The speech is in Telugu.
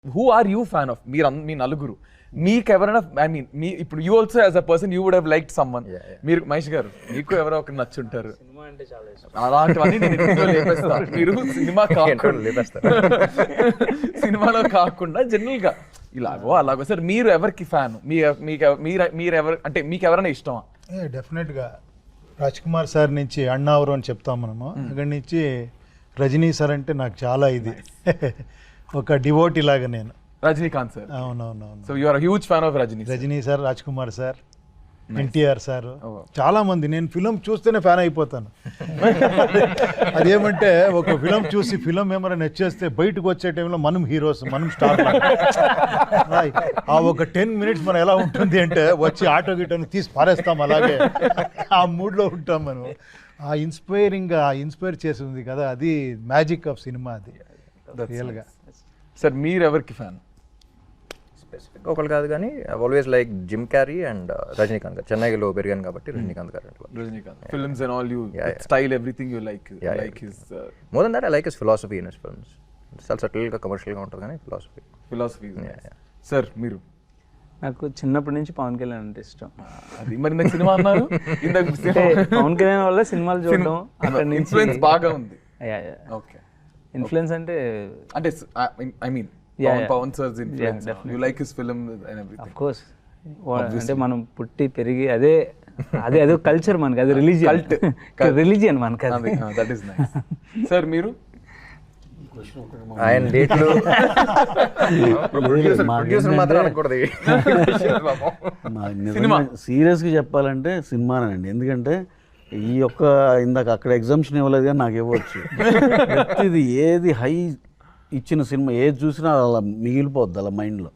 Who are you fan of? మీ నలుగురు మీకు ఎవరైనా, ఐ మీన్ మీ ఇప్పుడు you also as a person you would have liked someone. మీరు మహేష్ గారు మీకు ఎవరో ఒకరు నచ్చుంటారు. సినిమా అంటే చాలా ఇష్టం. అలాంటివన్నీ నేను ఇంట్లో లేపేస్తా. మీరు సినిమా కాకుండా సినిమాలో కాకుండా జనరల్ గా ఇలాగో అలాగో. సార్ మీరు ఎవరికి ఫ్యాన్? మీరు ఎవరు అంటే మీకు ఎవరైనా ఇష్టమా? డెఫినెట్గా రాజ్ కుమార్ సార్ నుంచి అన్నావరం అని చెప్తాం మనము. అక్కడి నుంచి రజనీ సార్ అంటే నాకు చాలా ఇది ఒక డివోటీ లాగా నేను. రజనీకాంత్ సార్. అవునవునవును. So you are huge fan of Rajini. Rajini sir, Raj Kumar sir, NTR sir, చాలా మంది. నేను ఫిలం చూస్తేనే ఫ్యాన్ అయిపోతాను. అదేమంటే ఒక ఫిలం చూసి ఫిలం ఏమైనా నచ్చేస్తే బయటకు వచ్చే టైంలో మనం హీరోస్, మనం స్టార్. ఆ ఒక 10 minutes మనం ఎలా ఉంటుంది అంటే వచ్చి ఆటో గిటోని తీసి పారేస్తాం, అలాగే ఆ మూడ్లో ఉంటాం మనం. ఆ ఇన్స్పైర్ చేసి ఉంది కదా, అది మ్యాజిక్ ఆఫ్ సినిమా. అది రియల్గా. సార్ మీరు ఎవరికి ఫ్యాన్? స్పెసిఫిక్ ఒకళ్ళు కాదు కానీ always like Jim Carrey and Rajinikanth గారు. చెన్నైలో పెరిగాను కాబట్టి రజనీకాంత్ గారు. Rajinikanth films and all, you style everything you like. Like his more than that I like his philosophy in his films. చాలా సటిల్గా కమర్షియల్గా ఉంటుంది కానీ ఫిలాసఫీ. సార్ మీరు? నాకు చిన్నప్పటి నుంచి పవన్ కళ్యాణ్ అంటే ఇష్టం. అది మరి నాకు సినిమా అన్నారు ఇందాక. పవన్ కళ్యాణ్ వల్ల సినిమాలు చూడడం, అక్కడ నుంచి ఇన్ఫ్లుయెన్స్ బాగా ఉంది. ఓకే. ఇన్ఫ్లుయెన్స్ అంటే I mean Pawan sir's influence. You like his film and everything. Of course. అంటే మనం పుట్టి పెరిగి అదే కల్చర్ మనకి, అది రిలీజియన్ మనకి. That is nice. సార్ మీరు? ఆయన డేట్లు ప్రొడ్యూసర్ మాత్రం అనకూడదు. సీరియస్గా చెప్పాలంటే సినిమానండి. ఎందుకంటే ఈ యొక్క ఇందాక అక్కడ ఎగ్జామ్షన్ ఇవ్వలేదు కానీ నాకు ఇవ్వచ్చు. ప్రతిది ఏది హై ఇచ్చిన సినిమా ఏది చూసినా అలా మిగిలిపోద్ది అలా మైండ్లో.